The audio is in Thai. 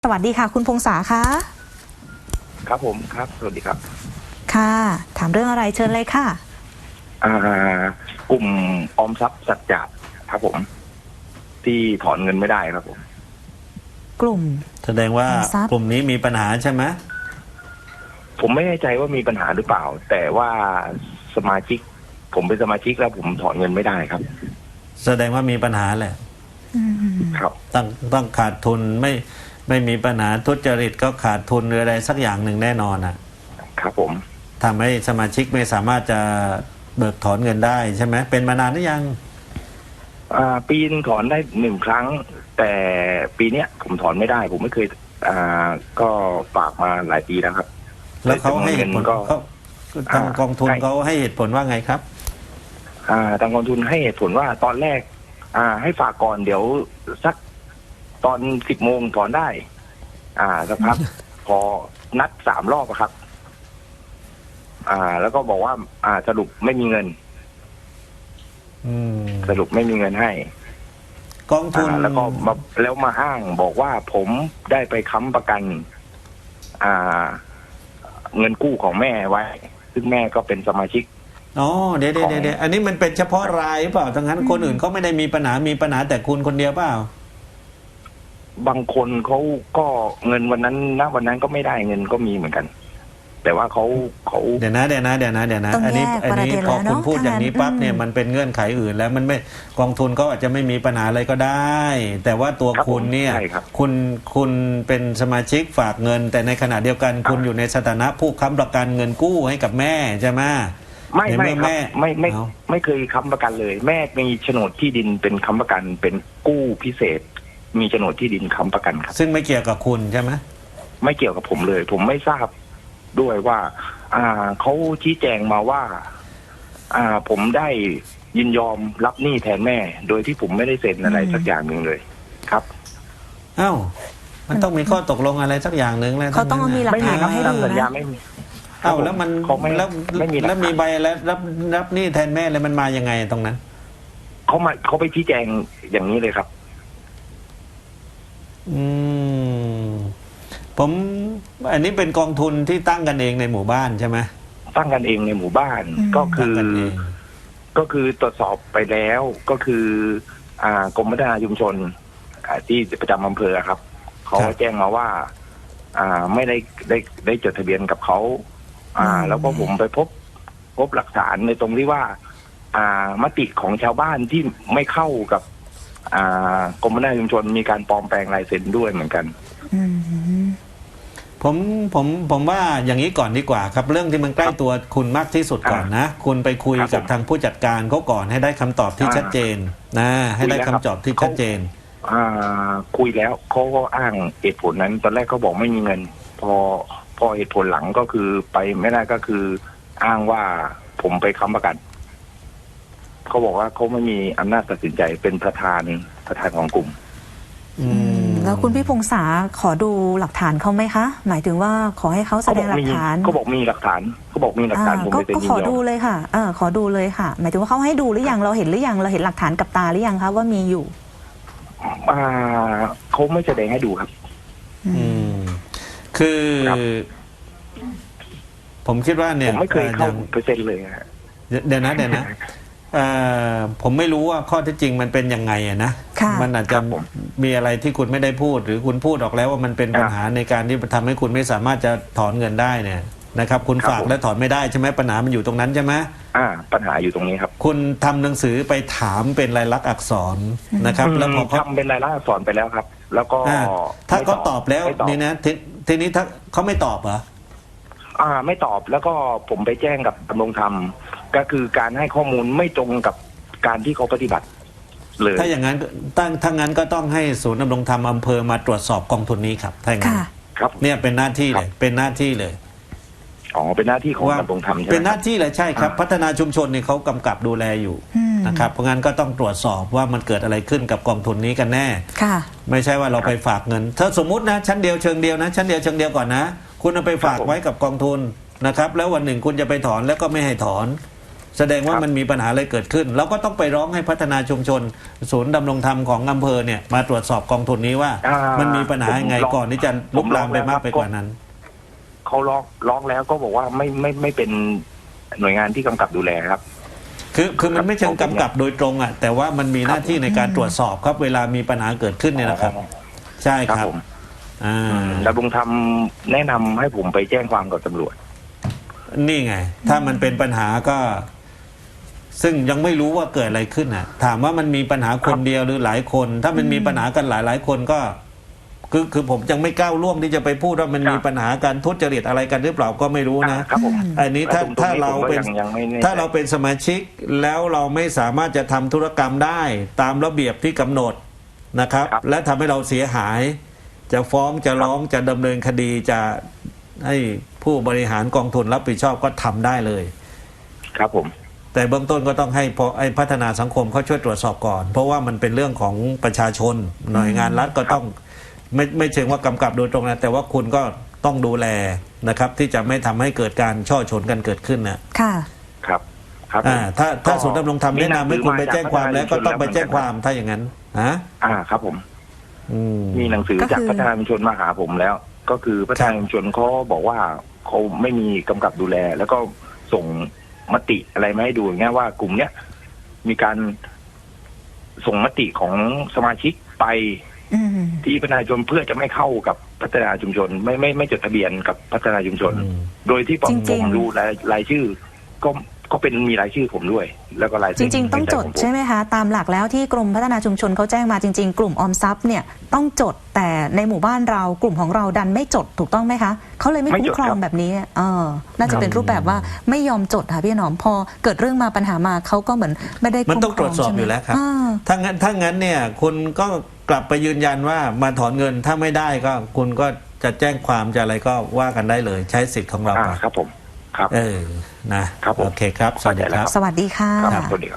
สวัสดีค่ะคุณพงษาคะครับผมครับสวัสดีครับค่ะถามเรื่องอะไรเชิญเลยค่ะกลุ่มออมทรัพย์สัจจะครับผมที่ถอนเงินไม่ได้ครับผมกลุ่มแสดงว่ากลุ่มนี้มีปัญหาใช่ไหมผมไม่แน่ใจว่ามีปัญหาหรือเปล่าแต่ว่าสมาชิกผมเป็นสมาชิกแล้วผมถอนเงินไม่ได้ครับแสดงว่ามีปัญหาแหละครับต้องขาดทุนไม่มีปัญหาทุจริตก็ขาดทุนหรืออะไรสักอย่างหนึ่งแน่นอนอ่ะครับผมทำให้สมาชิกไม่สามารถจะเบิกถอนเงินได้ใช่ไหมเป็นมานานหรือยังปีนึงถอนได้1 ครั้งแต่ปีเนี้ยผมถอนไม่ได้ผมไม่เคยก็ฝากมาหลายปีแล้วครับแล้วเขาให้เหตุผลเขาทางกองทุนเขาให้เหตุผลว่าไงครับทางกองทุนให้เหตุผลว่าตอนแรกให้ฝากก่อนเดี๋ยวสักตอน10 โมงถอนได้สักพัก พอนัด3 รอบครับแล้วก็บอกว่าสรุปไม่มีเงินสรุปไม่มีเงินให้กองทุนแล้วมาอ้างบอกว่าผมได้ไปค้ำประกันเงินกู้ของแม่ไว้ซึ่งแม่ก็เป็นสมาชิกอ๋อเดี๋ยวอันนี้มันเป็นเฉพาะรายหรือเปล่าทั้งนั้นคนอื่นเขาไม่ได้มีปัญหามีปัญหาแต่คุณคนเดียวเปล่าบางคนเขาก็เงินวันนั้นก็ไม่ได้เงินก็มีเหมือนกันแต่ว่าเขาเดี๋ยวนะอันนี้พอคุณพูดอย่างนี้ปั๊บเนี่ยมันเป็นเงื่อนไขอื่นแล้วมันไม่กองทุนก็อาจจะไม่มีปัญหาอะไรก็ได้แต่ว่าตัวคุณเนี่ยคุณเป็นสมาชิกฝากเงินแต่ในขณะเดียวกันคุณอยู่ในสถานะผู้ค้ำประกันเงินกู้ให้กับแม่ใช่ไหมไม่เคยค้ำประกันเลยแม่มีโฉนดที่ดินเป็นค้ำประกันเป็นกู้พิเศษมีโฉนดที่ดินค้ำประกันครับซึ่งไม่เกี่ยวกับคุณใช่ไหมไม่เกี่ยวกับผมเลยผมไม่ทราบด้วยว่าเขาชี้แจงมาว่าผมได้ยินยอมรับหนี้แทนแม่โดยที่ผมไม่ได้เซ็นอะไรสักอย่างหนึ่งเลยครับอ้าวมันต้องมีข้อตกลงอะไรสักอย่างหนึ่งแล้วเขาต้องมีหลักฐานให้ดูนะไม่มีอ้าวแล้วมันแล้วมีใบรับหนี้แทนแม่เลยมันมายังไงตรงนั้นเขาไปชี้แจงอย่างนี้เลยครับผมอันนี้เป็นกองทุนที่ตั้งกันเองในหมู่บ้านใช่ไหมตั้งกันเองในหมู่บ้านก็คือตรวจสอบไปแล้วก็คือกรมพัฒนาชุมชนที่ประจำอำเภอครับเขาแจ้งมาว่าไม่ได้จดทะเบียนกับเขาแล้วก็ผมไปพบหลักฐานในตรงที่ว่ามติของชาวบ้านที่ไม่เข้ากับกรมพัฒนาชุมชนมีการปลอมแปลงลายเซ็นด้วยเหมือนกันผมว่าอย่างนี้ก่อนดีกว่าครับเรื่องที่มันใกล้ตัวคุณมากที่สุดก่อนนะคุณไปคุยกับทางผู้จัดการเขาก่อนให้ได้คำตอบที่ชัดเจนนะให้ได้คำตอบที่ชัดเจนคุยแล้วเขาก็อ้างเหตุผลนั้นตอนแรกเขาบอกไม่มีเงินพอเหตุผลหลังก็คือไปไม่ได้ก็คืออ้างว่าผมไปค้ำประกันเขาบอกว่าเขาไม่มีอำนาจตัดสินใจเป็นประธานของกลุ่มแล้วคุณพี่พงษาขอดูหลักฐานเขาไหมคะหมายถึงว่าขอให้เขาแสดงหลักฐานเขาบอกมีหลักฐานผมไปเซ็นยินยอมก็ขอดูเลยค่ะขอดูเลยค่ะหมายถึงว่าเขาให้ดูหรือยังเราเห็นหรือยังเราเห็นหลักฐานกับตาหรือยังคะว่ามีอยู่เขาไม่แสดงให้ดูครับคือผมคิดว่าเนี่ยผมไม่เคยเข้าเปอร์เซ็นต์เลยเดี๋ยวนะผมไม่รู้ว่าข้อเท็จจริงมันเป็นยังไงนะมันอาจจะมีอะไรที่คุณไม่ได้พูดหรือคุณพูดออกแล้วว่ามันเป็นปัญหาในการที่ทำให้คุณไม่สามารถจะถอนเงินได้เนี่ยนะครับคุณฝากและถอนไม่ได้ใช่ไหมปัญหามันอยู่ตรงนั้นใช่ไหมปัญหาอยู่ตรงนี้ครับคุณทำหนังสือไปถามเป็นลายลักษณ์อักษรนะครับแล้วพอทำเป็นลายลักษณ์อักษรไปแล้วครับแล้วก็ถ้าเขาตอบแล้วนี่นะทีนี้ถ้าเขาไม่ตอบเหรอไม่ตอบแล้วก็ผมไปแจ้งกับดำรงธรรมก็คือการให้ข้อมูลไม่ตรงกับการที่เขาปฏิบัติเลยถ้าอย่างนั้นถ้างั้นก็ต้องให้ศูนย์ดำรงธรรมอำเภอมาตรวจสอบกองทุนนี้ครับถ้าอย่างนั้นเนี่ยเป็นหน้าที่เลยเป็นหน้าที่เลยเป็นหน้าที่ของดำรงธรรมใช่ไหมเป็นหน้าที่เลยใช่ครับพัฒนาชุมชนเนี่ยเขากำกับดูแลอยู่นะครับเพราะงั้นก็ต้องตรวจสอบว่ามันเกิดอะไรขึ้นกับกองทุนนี้กันแน่ไม่ใช่ว่าเราไปฝากเงินถ้าสมมุตินะชั้นเดียวเชิงเดียวนะชั้นเดียวเชิงเดียวก่อนนะคุณเอาไปฝากไว้กับกองทุนนะครับแล้ววันหนึ่งคุณจะไปถอนแล้วก็ไม่ให้ถอนแสดงว่ามันมีปัญหาอะไรเกิดขึ้นเราก็ต้องไปร้องให้พัฒนาชุมชน ศูนย์ดำรงธรรมของอำเภอเนี่ยมาตรวจสอบกองทุนนี้ว่ามันมีปัญหายังไงก่อนที่จะลุกลามไปมากไปกว่านั้นเขาร้องแล้วก็บอกว่าไม่เป็นหน่วยงานที่กำกับดูแลครับคือมันไม่เชิงกำกับโดยตรงอ่ะแต่ว่ามันมีหน้าที่ในการตรวจสอบครับเวลามีปัญหาเกิดขึ้นเนี่ยนะครับใช่ครับดำรงธรรมแนะนำให้ผมไปแจ้งความกับตำรวจนี่ไงถ้ามันเป็นปัญหาก็ซึ่งยังไม่รู้ว่าเกิดอะไรขึ้นอ่ะถามว่ามันมีปัญหาคนเดียวหรือหลายคนถ้ามันมีปัญหากันหลายคนก็คือผมยังไม่ก้าวล่วงที่จะไปพูดว่ามันมีปัญหาการทุจริตอะไรกันหรือเปล่าก็ไม่รู้นะอันนี้ถ้าเราเป็นสมาชิกแล้วเราไม่สามารถจะทำธุรกรรมได้ตามระเบียบที่กำหนดนะครับและทำให้เราเสียหายจะฟ้องจะร้องจะดำเนินคดีจะให้ผู้บริหารกองทุนรับผิดชอบก็ทำได้เลยครับผมแต่เบื้องต้นก็ต้องให้พัฒนาสังคมเขาช่วยตรวจสอบก่อนเพราะว่ามันเป็นเรื่องของประชาชนหน่วยงานรัฐก็ต้องไม่เชิงว่ากำกับโดยตรงนะแต่ว่าคุณก็ต้องดูแลนะครับที่จะไม่ทำให้เกิดการช่อฉนกันเกิดขึ้นนะค่ะครับถ้าศูนย์ดำรงธรรมแนะนำให้คุณไปแจ้งความแล้วก็ต้องไปแจ้งความถ้าอย่างนั้นครับผมมีหนังสือจากพัฒนาชุมชนมาหาผมแล้วก็คือพัฒนาชุมชนเขาบอกว่าเขาไม่มีกำกับดูแลแล้วก็ส่งมติอะไรมาให้ดูอย่างเงี้ยว่ากลุ่มเนี้ยมีการส่งมติของสมาชิกไปที่พัฒนาชุมชนเพื่อจะไม่เข้ากับพัฒนาชุมชนไม่จดทะเบียนกับพัฒนาชุมชนโดยที่ผมดูรายชื่อก็เป็นมีรายชื่อผมด้วยแล้วก็รายจริงๆต้องจดใช่ไหมคะตามหลักแล้วที่กรมพัฒนาชุมชนเขาแจ้งมาจริงๆกลุ่มออมทรัพย์เนี่ยต้องจดแต่ในหมู่บ้านเรากลุ่มของเราดันไม่จดถูกต้องไหมคะเขาเลยไม่คุ้มครองแบบนี้น่าจะเป็นรูปแบบว่าไม่ยอมจดค่ะพี่หนอมพอเกิดเรื่องมาปัญหามาเขาก็เหมือนไม่ได้มันต้องตรวจสอบอยู่แล้วครับถ้างั้นเนี่ยคุณก็กลับไปยืนยันว่ามาถอนเงินถ้าไม่ได้ก็คุณก็จะแจ้งความจะอะไรก็ว่ากันได้เลยใช้สิทธิ์ของเราครับผมครับนะโอเคครับสวัสดีครับสวัสดีค่ะ